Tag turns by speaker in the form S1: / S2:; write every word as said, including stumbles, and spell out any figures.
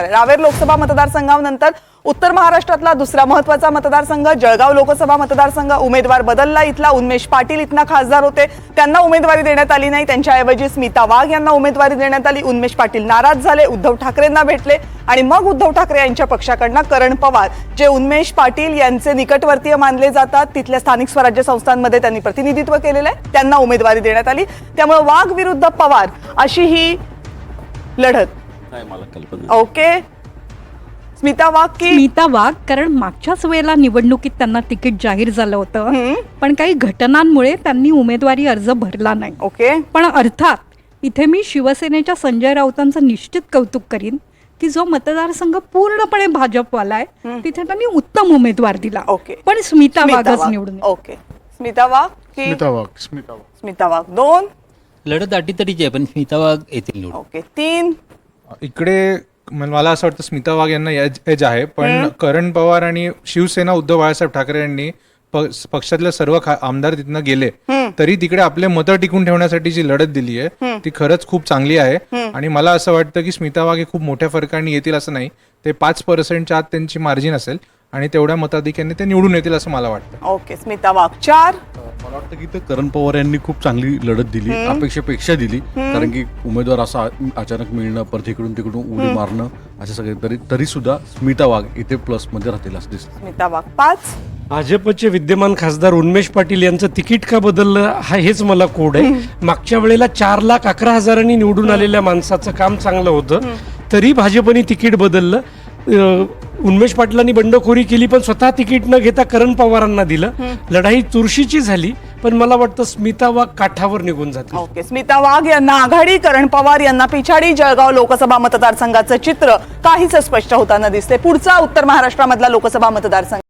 S1: रावेर लोकसभा मतदारसंघानंतर उत्तर महाराष्ट्रातला दुसरा महत्त्वाचा मतदारसंघ जळगाव लोकसभा मतदारसंघ उमेदवार बदलला। इथला उन्मेष पाटील इथना खासदार होते, त्यांना उमेदवारी देण्यात आली नाही, त्यांच्याऐवजी स्मिता वाघ यांना उमेदवारी देण्यात आली। उन्मेष पाटील नाराज झाले, उद्धव ठाकरेंना भेटले आणि मग उद्धव ठाकरे यांच्या पक्षाकडून करण पवार जे उन्मेष पाटील यांचे निकटवर्तीय मानले जातात, तिथल्या स्थानिक स्वराज्य संस्थांमध्ये त्यांनी प्रतिनिधित्व केलेलं आहे, त्यांना उमेदवारी देण्यात आली। त्यामुळे वाघ विरुद्ध पवार अशी ही लढत
S2: नाही मला कल्पना।
S1: ओके, स्मिता वाघ की
S3: स्मिता वाघ, कारण मागच्याच वेळेला निवडणुकीत त्यांना तिकीट जाहीर झालं होतं, पण काही घटनांमुळे त्यांनी उमेदवारी अर्ज भरला नाही।
S1: ओके,
S3: पण अर्थात इथे मी शिवसेनेच्या संजय राऊतांचं निश्चित कौतुक करीन की जो मतदारसंघ पूर्णपणे भाजपवाला आहे तिथे त्यांनी उत्तम उमेदवार दिला।
S1: ओके,
S3: पण स्मिता वाघच निवडून येईल।
S1: ओके, स्मिता वाघ की
S4: स्मिता वाघ स्मिता वाघ
S1: स्मिता वाघ दोन।
S2: लढत अटीतटीची आहे पण स्मिता वाघ येतील निवडून।
S1: ओके, तीन।
S4: इकडे मला असं वाटतं स्मिता वाघ यांना एज एज आहे, पण करण पवार आणि शिवसेना उद्धव बाळासाहेब ठाकरे यांनी प- पक्षातले सर्व खा- आमदार तिथनं गेले तरी तिकडे आपले मतं टिकून ठेवण्यासाठी जी लढत दिली आहे ती खरंच खूप चांगली आहे। आणि मला असं वाटतं की स्मिता वाघ हे खूप मोठ्या फरकाने येतील असं नाही, ते पाच पर्सेंटच्या आत त्यांची मार्जिन असेल आणि तेवढ्या मताधिक्याने ते निवडून येतील असं मला वाटतं।
S1: ओके, स्मिता वाघ चार।
S5: मला वाटतं की ते करण पवार यांनी खूप चांगली लढत दिली, अपेक्षेपेक्षा दिली, कारण की उमेदवार असा अचानक मिळणं, परत इकडून तिकडून उडी मारणं असे सगळे, तरी तरी सुद्धा स्मिता वाघ इथे प्लस मध्ये राहतील असं दिसतं।
S1: स्मिता वाघ पाच।
S6: भाजपचे विद्यमान खासदार उन्मेष पाटील यांचं तिकीट का बदललं हा हेच मला कोड आहे। मागच्या वेळेला चार लाख अकरा हजारांनी निवडून आलेल्या माणसाचं काम चांगलं होतं तरी भाजपने तिकीट बदललं। अं, उन्मेष पाटलांनी बंडखोरी केली पण स्वतः तिकीट न घेता करण पवारांना दिलं। लढाई चुरशीची झाली पण मला वाटतं स्मिता वाघ काठावर निघून जाते।
S1: ओके, स्मिता वाघ यांना आघाडी, करण पवार यांना पिछाडी। जळगाव लोकसभा मतदारसंघाचं चित्र काहीच स्पष्ट होताना दिसते। पुढचा उत्तर महाराष्ट्रामधला लोकसभा मतदारसंघ